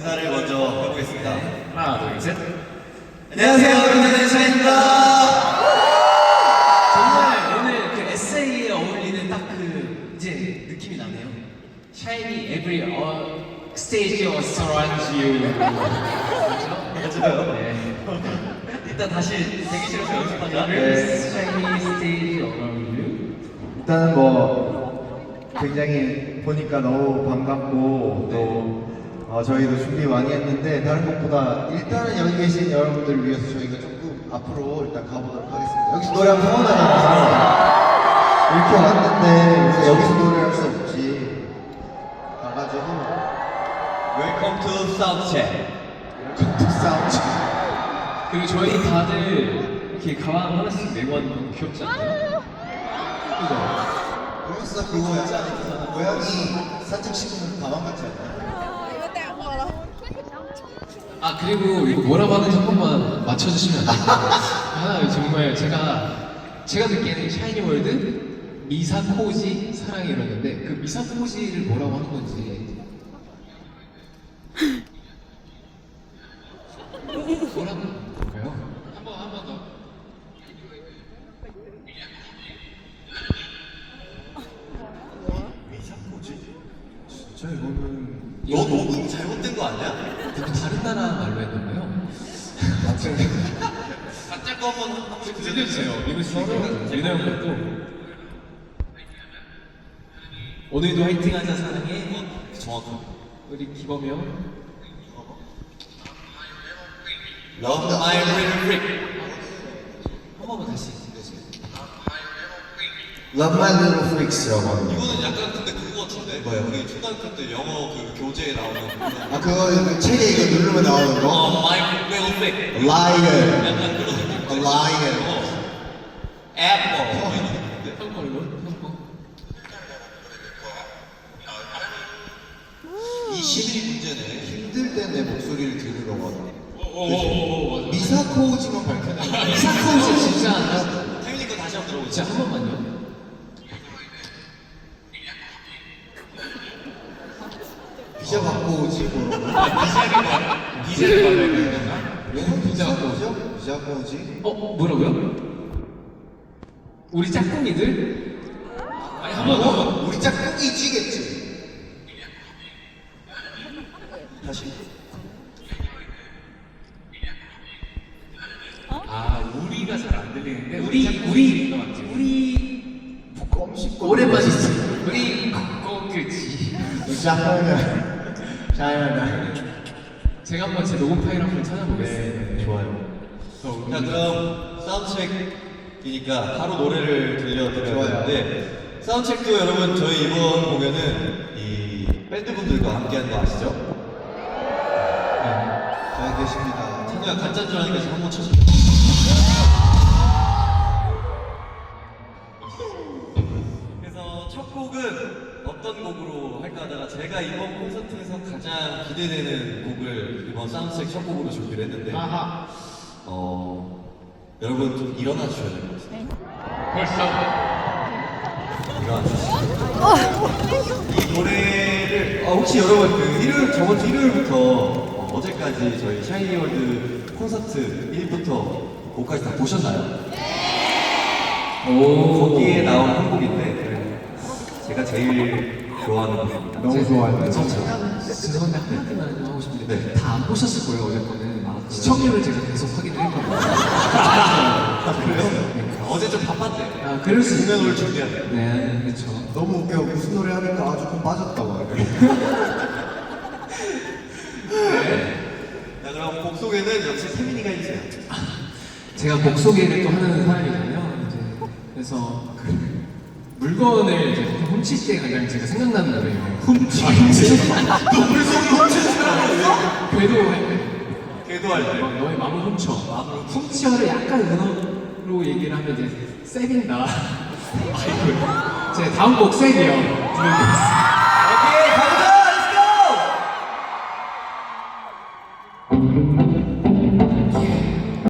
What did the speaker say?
인사를 먼저 해보겠습니다. 하나, 둘, 셋. 안녕하세요, 여러분들, 샤입니다. 정말 오늘 그 에세이에 어울리는 딱 그 이제 느낌이 나네요. Shiny every stage or surrounds you. 그렇죠? 맞아요. 네. 일단 다시 대기실에서 연습하자. Shiny stage around you. 일단은 뭐 굉장히 보니까 너무 반갑고 또 저희도 준비 많이 했는데 다른 것보다 일단은 여기 계신 여러분들을 위해서 저희가 조금 앞으로 일단 가보도록 하겠습니다. 여기서 노래하면 서운하잖아요. 이렇게 왔는데 그래서 여기서 노래할 수 없지. 가가지고 Welcome to Soundcheck. 사운드. 그리고 저희 다들 이렇게 가방 하나씩 메고 하는 거 너무 귀엽지 않나요? 그죠? 벌써 그거 약간 고양이 산책시키는 가방 같지 않나요? 아 그리고 이거 뭐라고 하는지 한 번만 맞춰주시면 안 될까요? 하나 정말 제가 듣기에는 샤이니 월드 미사코지 사랑이 이러는데 그 미사코지를 뭐라고 하는 건지 뭐라고 하는 건가요? 한 번 더. 미사코지? 진짜 이거는 너 너무 잘못된 거 아니야? 다른 나라 말로 했나봐요. 가짜 거 한번 들려주세요. 민우 씨, 민우 형 것도 오늘도 화이팅하자 사랑해. 정확한. 우리 기범이 형. Love my little freak. 한 번만 다시 들려주세요. Love My Little Freaks라고 하는 거. 이거는 약간 근데 그거 같은데. 뭐요? 우리 초등학교 때 영어 그 교재에 나오는. 아 그거 그 책에 이거 누르면 나오는 거? My little freak. Liar. 약간 그런 느낌. A liar. Apple. 형 거 이거? 형 거. 21이 문제네. 힘들 때 내 목소리를 들으러 가자. 오, 맞아. 미사코지만 밝혀놔. 미사코지 진짜 태민이 거 다시 한번 들어보자. 진짜 한 번만요. 비자 받고 오지 뭐로. 비자를 받아야 되나? 비자 받고 오죠? 비자 받고 오지. 뭐라고요? 우리 짝꿍이들? 아니 한 번 더. 우리 짝꿍이지겠지. 다시. 아 우리가 잘 안 들리는데 우리 껌씹고. 오랜만이지. 우리 거그지. 샤이나. 제가 한번 제 녹음 파일 한번 찾아보겠습니다. 네, 좋아요. 자 그럼 사운드체크이니까 바로 노래를 들려드려야 좋아요. 되는데 사운드체크도 여러분 저희 이번 공연은 이 밴드분들과 함께하는 거 아시죠? 잘 계십니다. 찬우야 가짜인 줄 아니까 지금 한번 쳐줘. 그래서 첫 곡은 어떤 곡으로 할까 하다가 제가 이번 콘서트에서 가장 기대되는 곡을 이번 사운드체크 첫 곡으로 준비를 했는데 아하. 여러분 좀 일어나 주셔야 될 것 같아요. 벌써. 일어나 주시죠. 이 노래를 혹시 여러분 그 저번 주 일요일부터 어제까지 저희 샤이니월드 콘서트 1부터 5까지 다 보셨나요? 오. 거기에 나온 한 곡인데 제가 제일 좋아하는 곡입니다. 너무 좋아요. 저 잠깐 죄송한데 한마디만 좀 하고 싶은데 네. 다 안 보셨을 거예요 어제 거는. 시청률을 제가 계속 확인을 했거든요. 그래요? 어제 좀 바빴대. 아 그럴 수 있어요. 공연을 준비하네. 네 그렇죠. 너무 웃겨. 무슨 노래 하니까 조금 빠졌다고. 자 그럼 곡 소개는 역시 태민이가 해주세요. 제가 곡 소개를 또 하는 사람이잖아요. 이제 그래서 그 물건을 이제 훔칠 때 가장 제가 생각나는 노래예요. 훔치. 너 물속에 훔치는 사람이야? 궤도할 때. 궤도할 때. 너의 마음을 훔쳐. 훔쳐를 약간 은어로 얘기를 하면 이제 세빈다. 제 다음 곡 세비요. 들려드리겠습니다. 오케이 가보자. Let's go.